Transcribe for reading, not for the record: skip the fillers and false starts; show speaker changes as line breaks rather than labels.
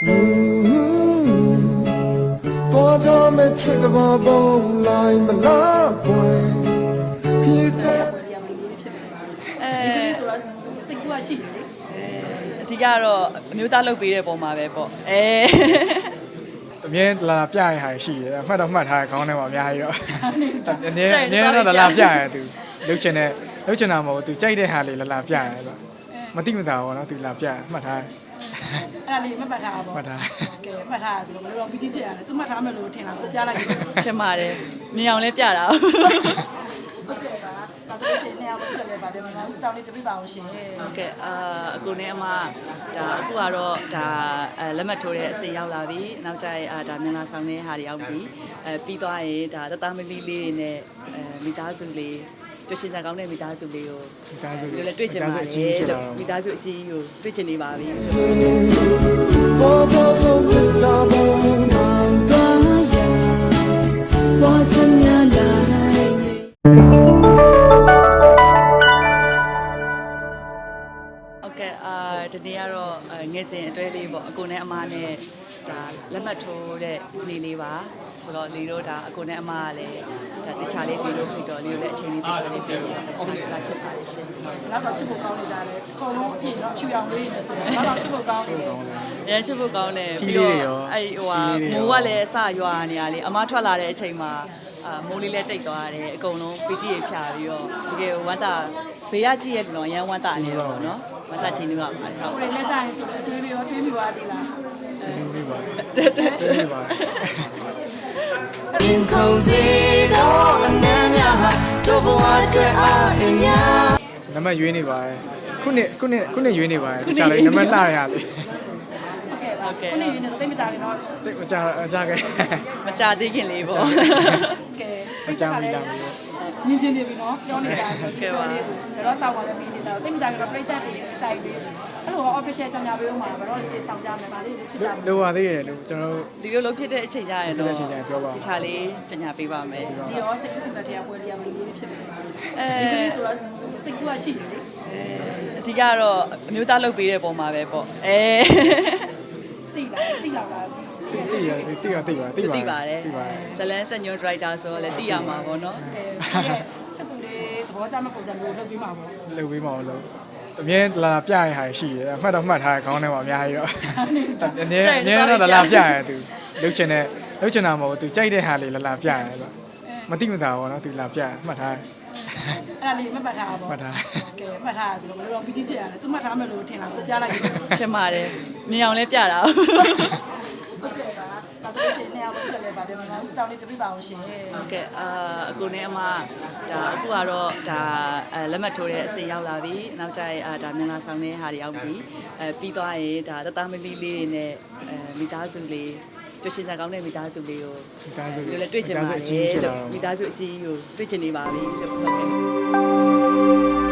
多久没吃个饱饱，来不来归？一天。
စိတ်ကူးရှိတယ်လေ
အဓိကတော့အမျိုးသားလုပ်ပေးတဲ့ပုံမှာပဲပေါ့
အမြဲလာပြရတဲ့ဟာရှိတယ်အမှတ်တော့မှတ်ထားခေါင်းထဲမှာအများကြီးတော့အမြဲတော့လာပြရတယ်သူလှုပ်ချင်တာမဟုတ်သူကြိုက်တဲ့ဟာလေးလာပြရတယ်ဆိုမတိမတာဘောနော်သူလာပြမှတ်ထား
အဲ့ဒါလေးမှတ်ထားပါဘော
မှတ်ထား
ကဲမှတ်ထားဆိုတော့ဘယ်လိုတော့ပီတိဖြစ်ရတယ်သူမှတ်ထားမယ်လို့ထင်တာကိုပြလိုက်
ထင်ပါတယ်မြင်အောင်လဲပြတာ
ဟုတ်ကဲ့ပါဒါဆိုရှင်နေရာလို့ဖြစ်လဲပါပြန်မှာစတောင်းလေးပြပြပါအောင်ရှင်
ဟုတ်ကဲ့အကိုနဲ့အမဒါအခုကတော့ဒါလက်မှတ်ထိုးတဲ့အစီရောက်လာပြီနောက်ကျရင်ဒါမြန်လာဆောင်တဲ့ဟာတွေရောက်ပြီပြီးသွားရင်ဒါတသားမမီလေးတွေနဲ့မိသားစုလေးတွေ့ရှင်စားကောင်းတဲ့မိသားစုလေးကို
မိသားစု
လည်းတွေ့ချင်ပါတယ်လို့မိသားစုအကြီးကိုတွေ့ချင်နေပါပြီ
多久从这大梦难断呀？我怎么来？
ဟုတ်ကဲ့ဒီနေ့ကတော့ငယ်စဉ်အတွဲလေးပေါ့အကိုနဲ့အမနဲ့ဒါလက်မှတ်ထိုးတဲ့နေ့လေးပါဆိုတော့လီတို့ဒါအကိုနဲ့အမကလည်းဒါတခြားလေးပြီးလို့ဖြစ်တော့လီတို့လည်းအချိန်လေးတခြားလေးပြီးတော့လာဖြစ်ပါလိမ့်ရှင်
နောက်တော့ချစ်ဖို့ကောင်းနေကြတယ်အကုန်လုံးအပြည့်တော့ဖြူအောင်လေးနေဆိုတော့နောက်တော့ချစ်ဖို့ကောင်းနေတယ်
ရမ်းချစ်ဖို့ကောင်းတယ်ပြီးတော့အဲ့ဟိုဟာမိုးကလည်းအစရွာနေရလေအမထွက်လာတဲ့အချိန်မှာမိုးလေးလည်းတိတ်သွားတယ်အကုန်လုံးပီတိရဖြာပြီးတော့တကယ်ဝမ်းသာဘေးရကြည့်ရတော့ရမ်းဝမ်းသာနေတော့နော်ဝမ်းသာချင်းတွေပါမှာဟုတ်
ကိုယ်လည်းကြာရင်ဆိုတော့အတွေးတွေရောတွေးမိသွားသေးလား
ကျေးဇူးပြုပါ
တက်တက်
ကျေးဇူးပါ
天空最高难呀，做不完最爱呀。
နံပါတ်ရွေးနေပါတယ်ခုနှစ်ရွေးနေပါတယ်တခြားလေးနံပါတ်လှရပြီ
ဟုတ်ကဲ့ပါခုနေရင်းနဲ့တိတ်မကြခင်တော့
တိတ်မကြခဲ့
မကြသေးခင်လေးပေါ့
ကဲ
မကြမိလား
ညင်ချင်းနေပြီနော်ပြောနေတာတော့စောက်ပါလည်းပြီးနေကြတော့တိတ်မကြခင်တော့ပြိတ္တတွေကြိုက်ပြီးအဲ့လို official ကြောင်ညာပေးဦးမှာဘယ်တော့လေးစောင့်ကြမယ်ဗာလေးဖြစ်ကြမယ်
လိုပါသေးတယ်လို့ကျွန်တော်
ဒီလိုလုံးဖြစ်တဲ့အချိန်ကြရင်တော့
ဖြစ်တဲ့အချိန်ကျရင်ပြောပါဦး
တခြားလေးကြညာပေးပါမယ်
ဒီရောစိတ်ကူးဖြစ်တဲ့ပွဲလေးရမလို့လေးဖြစ်မယ်ဒီကလေးဆိုတော့စိတ်ကူးရှိတယ်လေ
အဓိကတော့အမျိုးသားလုပ်ပေးတဲ့ပုံမှာပဲပေါ့
တိလား
သိပါ
ဇလန်းစညွန်ဒရိုက်တာဆိုတော့လည်းသိရမှာပေါ့နော်
ချက်သူလေးသဘောကျမဲ့ပုံစံမျိုးလုပ်ပြီးမှာပေါ့
လုပ်ပေးမအောင်လို့အမြဲလာပြရတဲ့ဟာရှိတယ်အမှတ်တော့မှတ်ထားခေါင်းထဲမှာအများကြီးတော့အမြဲတော့လာပြရတယ်သူလှုပ်ချင်တာမဟုတ်သူကြိုက်တဲ့ဟာလေးလာပြရတယ်ဆိုမတိမတာဘောနော်သူလာပြမှတ်ထား
အဲ့ဒါလေးမှတ်ထားပါပေါ့
မှတ်ထား
ကဲမှတ်ထားဆိုတော့ဘယ်လိုတော့ပီတိဖြစ်ရတယ်သူမှတ်ထားမယ်လို့ထင်တာကိုပြလိုက်
ထင်ပါတယ်မြင်အောင်လဲပြတာ
ဟုတ်ကဲ့ပါဒါဆိုရှင်နေရာလို့ဖြစ်လဲပါပြန်မှာစတောင်းလေးပြပြပါအောင်ရှင်
ဟုတ်ကဲ့အကိုနဲ့အမဒါအခုကတော့ဒါလက်မှတ်ထိုးတဲ့အစီရောက်လာပြီနောက်ကျရင်ဒါမြန်လာဆောင်တဲ့ဟာတွေရောက်ပြီပြီးသွားရင်ဒါတသားမမီလေးတွေနဲ့မိသားစုလေးတွေ့ရှင်စားကောင်းတဲ့မိသားစုလေးကို
မိသားစု
လည်းတွေ့ချင်ပါတယ်လို့မိသားစုအကြီးကိုတွေ့ချင်နေပါပြီလို့ဟုတ်ကဲ့